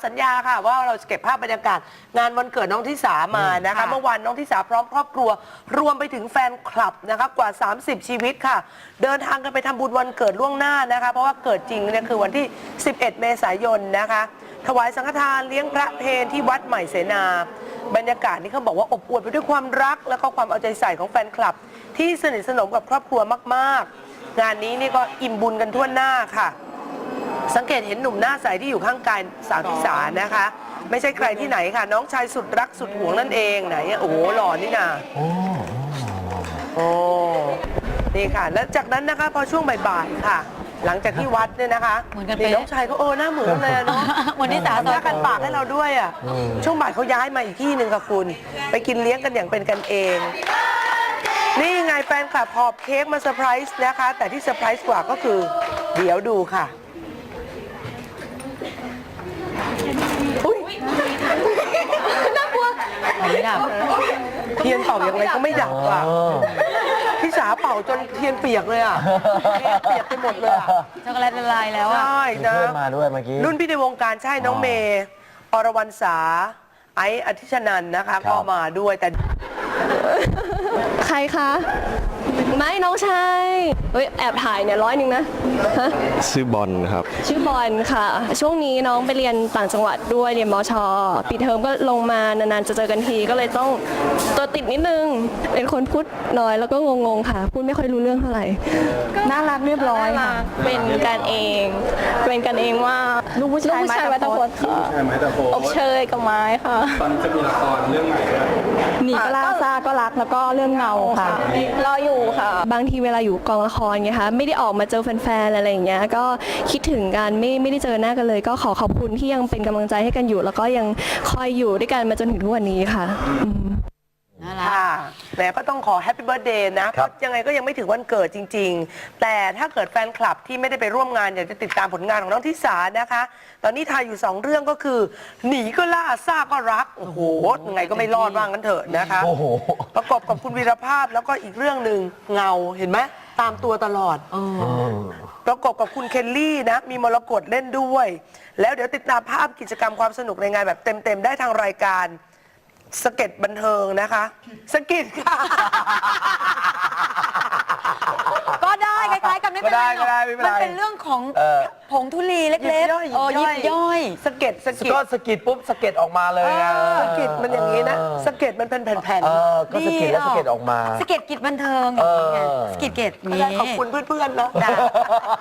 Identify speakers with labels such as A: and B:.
A: สัญญาค่ะว่าเราจะเก็บภาพบรรยากาศงานวันเกิดน้องทิสามานะคะเมื่อวานน้องทิสาพร้อมครอบครัวรวมไปถึงแฟนคลับนะคะกว่า30ชีวิตค่ะเดินทางกันไปทำบุญวันเกิดล่วงหน้านะคะเพราะว่าเกิดจริงเนี่ยคือวันที่11เมษายนนะคะถวายสังฆทานเลี้ยงพระเพลที่วัดใหม่เสนาบรรยากาศนี่เขาบอกว่าอบอวลไปด้วยความรักและก็ความเอาใจใส่ของแฟนคลับที่สนิทสนมกับครอบครัวมากๆงานนี้นี่ก็อิ่มบุญกันทั่วหน้าค่ะสังเกตเห็นหนุ่มหน้าใสที่อยู่ข้างกายสาวทิสานะคะไม่ใช่ใครที่ไหนค่ะน้องชายสุดรักสุดหวงนั่นเองไหนโอ้โหหล่อนี่นะโอ้นี่ค่ะแล้วจากนั้นนะคะพอช่วงบ่ายๆค่ะหลังจากที่วัดเนี่ยนะคะนี่น้องชายก็หน้าเหมือนเลยเนาะ
B: วันนี้สาว
A: หน้ากันปากให้เราด้วยอ่ะช่วงบ่ายเขาย้ายมาอีกที่หนึ่งค่ะคุณไปกินเลี้ยงกันอย่างเป็นกันเองนี่ไงแฟนคลับหอบเค้กมาเซอร์ไพรส์นะคะแต่ที่เซอร์ไพรส์กว่าก็คือเดี๋ยวดูค่ะ
B: น่ากลัวไม่ดับ
A: เทียนเป่าอย่างไรก็ไม่ดับอ่ะพี่สาเป่าจนเทียนเปียกเลยอ่ะเปียกไปหมดเลยอ่ะ
B: ช็อกโกแลตละลายแล้วอ่ะ
A: ใช่นะ
C: เพื่อนมาด้วยเมื่อกี้
A: รุ่นพี่ในวงการใช่น้องเมย์อรวรรณสาไอซ์อธิชนันท์นะคะก็มาด้วยแต่
D: ใครคะไม่น้องชายเฮ้ยแอบถ่ายเนี่ย100นะฮะ
E: ชื่อบอลครับ
D: ชื่อบอลค่ะช่วงนี้น้องไปเรียนต่างจังหวัดด้วยเรียนมชปิดเทอมก็ลงมานานๆจะเจอกันทีก็เลยต้องตัวติดนิดนึงเป็นคนพูดน้อยแล้วก็งงๆค่ะพูดไม่ค่อยรู้เรื่องเท่าไหร่
B: น่ารักเรียบร้อยค่ะ
D: เป็นกันเองว่าลูกผู้ชายไม้ตะพดค่ะอบเชยกับไม้ค่ะ
E: ตอนจะมีละครเรื่องใหม่ด้วย
D: หนีก็ล่าซาก็รักแล้วก็เรื่องเงาค่ะรออยู่ค่ะบางทีเวลาอยู่กองละครไงคะไม่ได้ออกมาเจอแฟนๆอะไรอย่างเงี้ยก็คิดถึงกันไม่ได้เจอหน้ากันเลยก็ขอขอบคุณที่ยังเป็นกำลังใจให้กันอยู่แล้วก็ยังคอยอยู่ด้วยกันมาจนถึงทุกวันนี้ค่ะ
A: ค่ะแหมก็ต้องขอแฮปปี้เบิร์ธเดย์นะเพราะยังไงก็ยังไม่ถึงวันเกิดจริงๆแต่ถ้าเกิดแฟนคลับที่ไม่ได้ไปร่วมงานอยากจะติดตามผลงานของน้องทิสานะคะตอนนี้ถ่ายอยู่2เรื่องก็คือหนีก็ล่าซ่าก็รักโอ้โหยังไงก็ไม่รอดว่างั้นเถอะนะคะประกอบกับคุณวีรภาพแล้วก็อีกเรื่องหนึ่งเงาเห็นไหมตามตัวตลอดประกอบกับคุณเคลลี่นะมีมรกตเล่นด้วยแล้วเดี๋ยวติดตามภาพกิจกรรมความสนุกในงานแบบเต็มๆได้ทางรายการสเก็ตบันเทิงนะคะสเก็ตค่ะ
B: ก็ได้คล้ายๆกันไม่เป็นไรหรอกมันเป็นเรื่องของผงธุลีเล็กๆยิบย่อย
A: สเก็ต
C: ก็สกิดปุ๊บสเก็ตออกมาเลย
A: สเก็ตมันอย่างนี้นะสเก็ตมันเป็นแผ่น
C: ๆก็สกิดแล้วสเก็ตออกมา
B: สเก็ตกิจบันเทิงอย่างนี้ไงสเก็ตนี้
A: ขอบคุณเพื่อนๆนะ